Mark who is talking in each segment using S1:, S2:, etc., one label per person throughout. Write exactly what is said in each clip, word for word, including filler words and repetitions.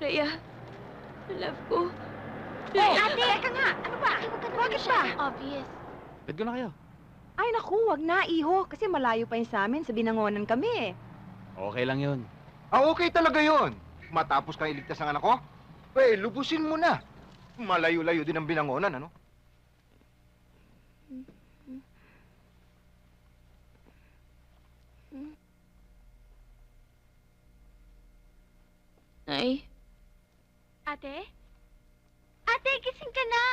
S1: Rhea, love ko.
S2: Oh, ate! Teka nga! Ano ba? Bakit ba?
S1: Obvious.
S3: Bet ko na kayo.
S2: Ay, naku, wag na, iho. Kasi malayo pa yun sa amin. Sa Binangonan kami eh.
S3: Okay lang yun.
S4: Ah, okay talaga yon. Matapos kang iligtas ang anak ko, eh, lubusin mo na. Malayo-layo din ang Binangonan, ano?
S1: Nay?
S5: Ate? Ate, gising ka na!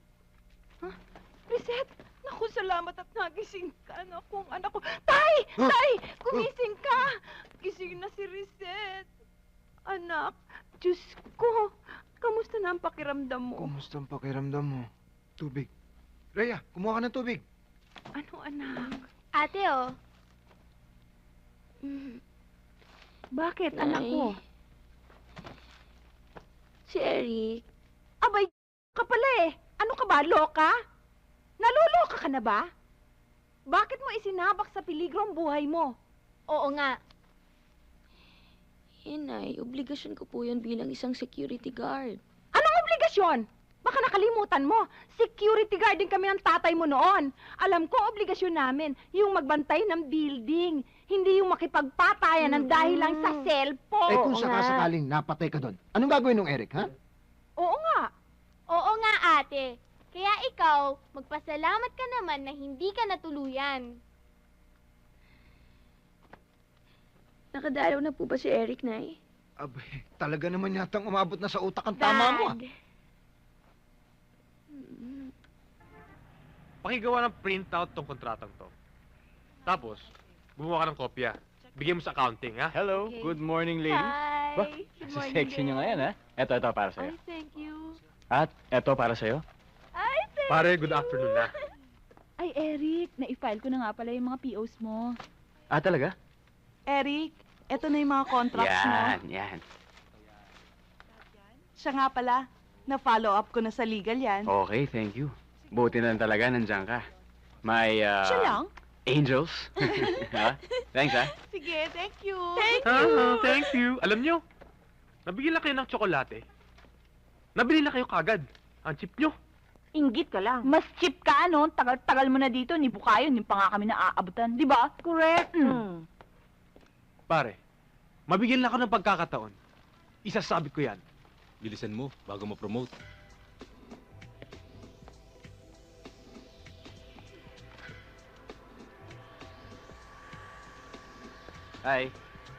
S2: Reset! Naku, salamat at nagising ka. Naku, ang anak ko. Tay! Tay! Gumising ka! Gising na si Reset. Anak, Diyos ko. Kamusta na ang pakiramdam mo?
S4: Kumusta ang pakiramdam mo? Tubig. Rhea, kumuha ka ng tubig.
S2: Ano, anak?
S5: Ate, oh.
S2: Bakit,
S1: Nay.
S2: anak ko?
S1: Si Eric.
S2: Abay, ka pala eh. Ano ka ba, loka? Naluloka ka na ba? Bakit mo isinabak sa peligro ang buhay mo?
S5: Oo nga.
S1: Eh, Nay, obligasyon ko po yan bilang isang security guard.
S2: Anong obligasyon? Baka nakalimutan mo, security guard din kami ng tatay mo noon. Alam ko, obligasyon namin, yung magbantay ng building, hindi yung makipagpatayan ng dahil lang sa cellphone.
S4: Eh kung
S1: Oo
S4: sakasakaling napatay ka doon, anong gagawin ng Eric, ha?
S2: Oo nga.
S5: Oo nga, ate. Kaya ikaw, magpasalamat ka naman na hindi ka natuluyan.
S1: Nakadalaw na po ba si Eric, Nay?
S4: Abay, talaga naman yatang umabot na sa utak ang tama mo, ah.
S6: Pakigawa ng printout tong kontratang to. Tapos, gumawa ka ng kopya. Bigyan mo sa accounting, ha?
S3: Hello,
S5: Okay.
S3: good morning, ladies.
S5: Hi!
S3: Ba,
S5: Good
S3: Sa
S5: morning,
S3: sexy niyo
S5: babe.
S3: ngayon, ha? Eto, eto, para sa'yo.
S5: Ay, thank you.
S3: At eto, para sa'yo.
S5: Ay, thank
S6: Pare,
S5: you.
S6: good afternoon na.
S7: Ay, Eric, na-file ko na nga pala yung mga P Os mo.
S3: Ah, talaga?
S7: Eric, eto na yung mga contracts mo.
S3: Yan, yan.
S7: Siya nga pala, na-follow up ko na sa legal yan.
S3: Okay, thank you. Buti na lang talaga, nandiyan ka. May, uh...
S7: Siya lang?
S3: Angels. ha? Thanks, ha?
S7: Sige, thank you.
S6: Ah, thank you. Alam nyo, nabigyan lang kayo ng tsokolate. Nabili na kayo kagad. Ang cheap nyo.
S2: Inggit ka lang.
S7: Mas cheap ka, ano? Tagal-tagal mo na dito, ni Bukayo, hindi pa nga kami naaabutan. Di ba?
S2: Correct.
S7: Mm.
S6: Pare, mabigyan lang ako ng pagkakataon. Isasabit ko yan.
S8: Bilisan mo bago ma-promote.
S3: Hi.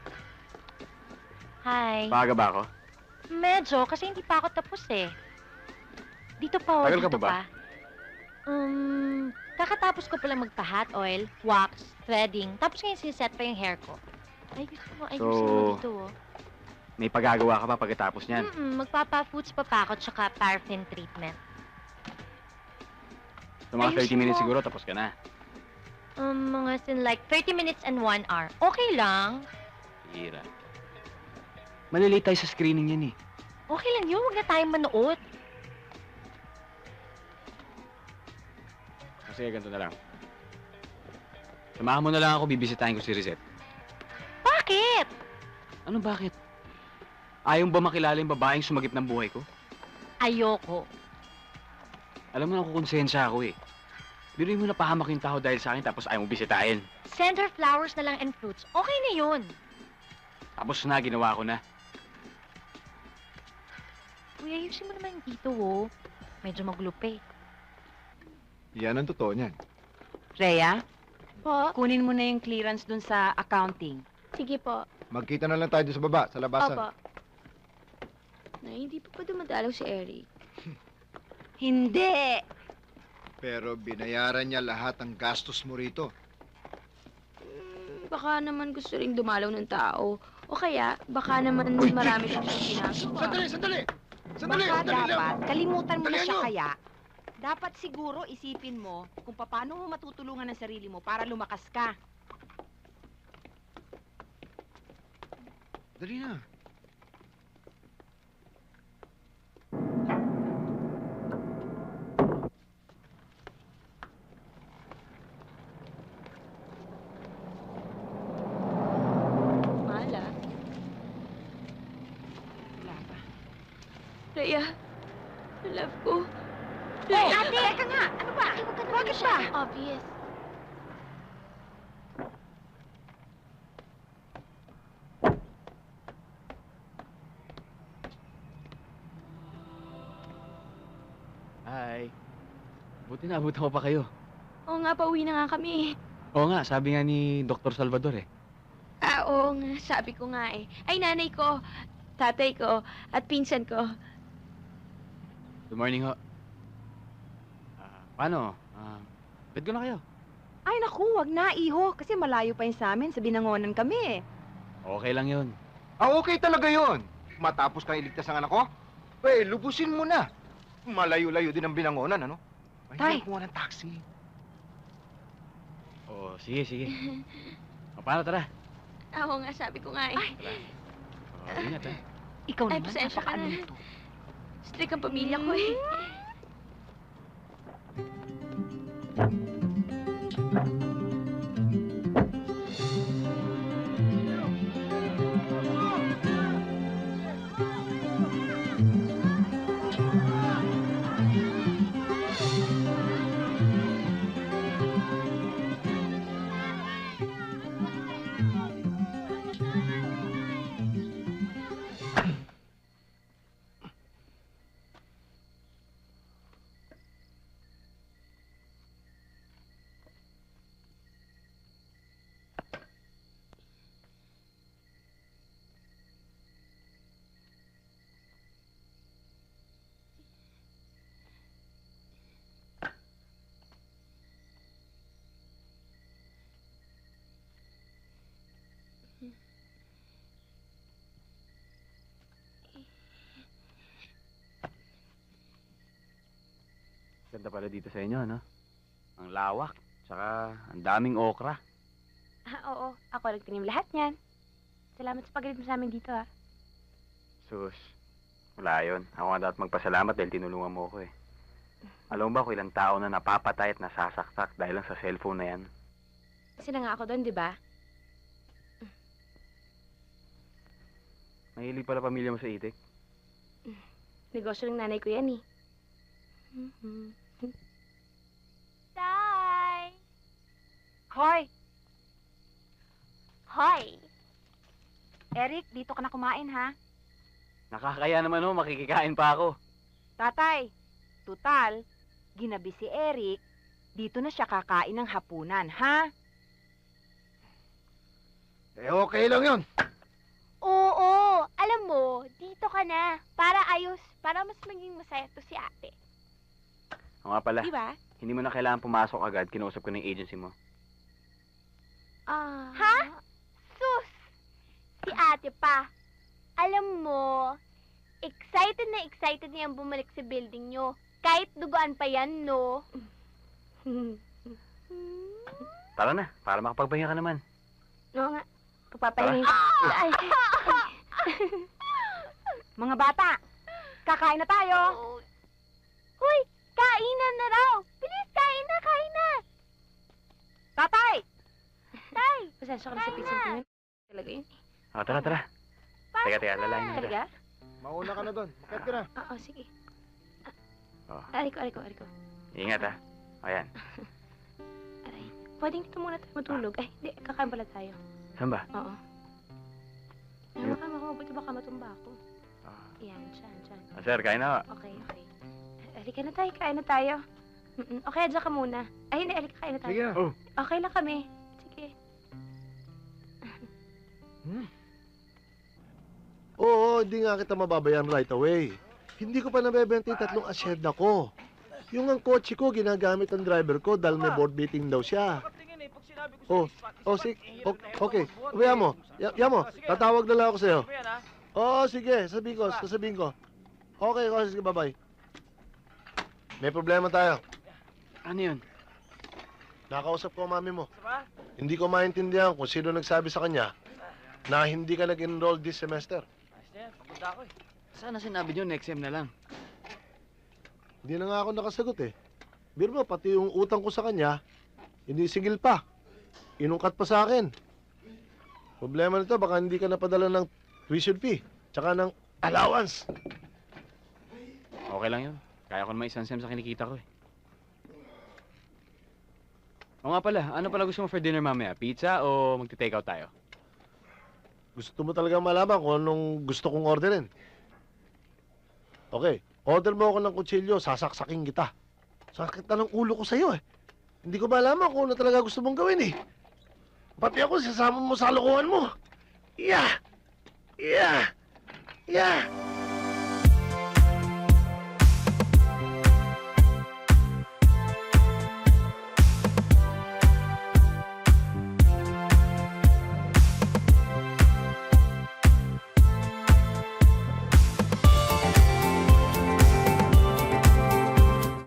S9: Hi.
S3: Maaga ba ako?
S9: Medyo, kasi hindi pa ako tapos eh. Dito pa, oh,
S3: Tagal ka
S9: dito
S3: pa ba?
S9: pa. Um, kakatapos ko pala magpa-hot oil, wax, threading, tapos ngayon siset pa yung hair ko. Ay, gusto mo, ayusin mo
S3: So,
S9: dito, oh.
S3: May pagagawa ka pa pagkatapos niyan.
S9: Mm-mm, magpapa-foods pa pa ako, tsaka paraffin treatment.
S3: So, mga
S9: ayusin
S3: thirty minutes
S9: mo.
S3: siguro, tapos ka na.
S9: Um, mga sin like thirty minutes and one hour. Okay lang.
S3: Hira. Malilate tayo sa screening yan, eh.
S9: Okay lang yun, huwag na tayong manood.
S3: Kasi ganito na lang. Samahan mo na lang ako, bibisitahin ko si Reset.
S9: Bakit?
S3: Ano bakit? Ayaw ba makilala yung babaeng sumagip ng buhay ko?
S9: Ayoko.
S3: Alam mo na kukonsensya ako eh. Biruin mo na pahamak yung tao dahil sa akin tapos ayaw mo bisitahin.
S9: Send her flowers na lang and fruits. Okay na yun.
S3: Tapos na, ginawa ko na.
S9: Uy, ayusin mo naman dito, oh. Medyo maglupe.
S4: Yan ang totoo niyan.
S2: Rhea,
S5: Po?
S2: kunin mo na yung clearance dun sa accounting.
S5: Sige po.
S4: Magkita na lang tayo doon sa baba, sa labasan.
S5: Opo.
S1: Nay, hindi pa pa dumadalaw si Eric.
S2: Hindi!
S4: Pero binayaran niya lahat ng gastos mo rito.
S1: Hmm, baka naman gusto ring dumalaw ng tao. O kaya, baka naman marami siyang ginagawa.
S4: Sandali, sandali! Sandali,
S2: Baka
S4: sandali lang!
S2: dapat, kalimutan mo na
S4: Dalihan
S2: siya
S4: nyo.
S2: kaya. Dapat siguro isipin mo kung paano mo matutulungan ang sarili mo para lumakas ka.
S4: Dali na.
S1: Mahal, ah.
S2: Wala pa.
S1: Rhea, love ko.
S2: Oh,
S1: Rhea,
S2: ate! Teka nga! Ano ba?
S5: Ay, huwag ka naman
S2: Bakit ba?
S5: masyadong obvious.
S3: Hi. Buti na, abutan ko pa kayo.
S1: oo nga, pauwi na nga kami.
S3: Oo nga, sabi nga ni Doktor Salvador eh.
S1: Ah, oo nga, sabi ko nga eh. Ay, nanay ko, tatay ko, at pinsan ko.
S3: Good morning ho. Ah, paano? Ah, bed ko na kayo.
S2: Ay, naku, wag na, iho. Kasi malayo pa yun sa amin. Sa binangonan kami eh.
S3: Okay lang yun.
S4: Ah, okay talaga yun. Matapos kang iligtas ang anak ko, eh, lubusin mo na. Malayo-layo din ang binangonan, ano?
S2: Tay.
S4: Ay, kumuha ng taxi.
S3: Oo, sige, sige. O, paano, tara?
S1: Ah, oo nga, sabi ko nga eh.
S3: Oh, ingat ha.
S2: Ikaw
S1: Ay,
S2: naman,
S1: pasensya ka
S2: napakaano
S1: na.
S2: nito.
S1: Strict ang pamilya ko eh.
S3: Ganda pala dito sa inyo, no? Ang lawak, tsaka ang daming okra.
S1: Ah, oo, ako nagtanim lahat niyan. Salamat sa pagalit mo sa amin dito ah.
S3: Sus, wala yun. Ako nga dapat magpasalamat dahil tinulungan mo ako eh. Alam mo ba kung ilang tao na napapatay at nasasaktak dahil lang sa cellphone na yan?
S1: Kasi na nga ako doon, di ba?
S3: Mahilig pala pamilya mo sa itik.
S1: Negosyo ng nanay ko yan eh.
S5: Tay!
S2: Hoy!
S5: Hoy!
S2: Eric, dito ka na kumain, ha?
S3: Nakakaya naman ho, makikikain pa ako.
S2: Tatay, tutal, ginabi si Eric, dito na siya kakain ng hapunan, ha?
S4: Eh, okay lang yun.
S5: Oo, alam mo, dito ka na. Para ayos, para mas maging masaya to si ate.
S3: O nga pala,
S1: Di ba?
S3: hindi mo na kailangan pumasok agad, kinausap ko ng agency mo.
S1: Ah.
S5: Ha? Sus! Si ate pa. Alam mo, excited na excited na yan bumalik sa building nyo. Kahit duguan pa yan, no?
S3: Tara na, para makapagpahinga ka naman.
S1: Oo nga. Pagpapahinga. Ay.
S2: Mga bata, kakain na tayo.
S5: Hoy, kainan na raw. Bilis, kain na, kain na.
S2: Tatay!
S5: Tay,
S1: Pasensya ka na sa pizza ko yun. Talaga yun.
S3: O, tara, tara. Teka, teka, lalayan na kita.
S1: Talaga?
S4: Mauna ka na doon. Bakit ka na?
S1: Oo, sige.
S3: Oh,
S1: Aray ko, aray ko, aray ko.
S3: ingat ha. Ayan.
S1: Aray. Pwedeng dito muna tayo matulog. Ay, hindi. Kakain pala tayo.
S3: Saan ba?
S1: Oo. Ay,
S3: Yun.
S1: baka mabuti baka matumba ako.
S3: Ah,
S1: Yan, dyan, dyan.
S3: ah, sir, kain na.
S1: Okay, okay. Halika na tayo, kain na tayo. Mm-mm. Okay, dyan ka muna. Ay, hindi, halika, kain na tayo.
S4: Sige na.
S3: Oh.
S1: Okay lang kami. Sige.
S10: Oo, hindi nga kita mababayan right away. Hindi ko pa nabebenta yung tatlong asyenda ko. Yung ang kotse ko, ginagamit ng driver ko dahil may board meeting daw siya. Oh, oh, sige. Okay, umiya mo. Ya, ya mo, tatawag na lang ako sa'yo. Oo, sige, sabihin ko, sasabihin ko. Okay, okay, sige, bye-bye. May problema tayo.
S3: Ano yun?
S10: Nakausap ko ang mami mo. Hindi ko maintindihan kung sino nagsabi sa kanya na hindi ka nag-enroll this semester.
S3: Sana sinabi nyo next sem na lang.
S10: Hindi na nga ako nakasagot eh. Biro mo, pati yung utang ko sa kanya, hindi sigil pa. Inungkat pa sa akin. Problema nito, baka hindi ka napadala ng tuition fee, tsaka ng allowance.
S3: Okay lang yun. Kaya ko naman isang sem sa kinikita ko eh. O nga pala, ano pala gusto mo for dinner mamaya? Pizza o magti-take out tayo?
S10: Gusto mo talaga malaman kung anong gusto kong orderin. Okay, order mo ako ng kutsilyo, sasaksakin kita. Sakit na ng ulo ko sa'yo eh. Hindi ko malaman kung ano talaga gusto mong gawin eh. Pati ako, sasama mo sa lokohan mo. Yeah! Yeah! Yeah!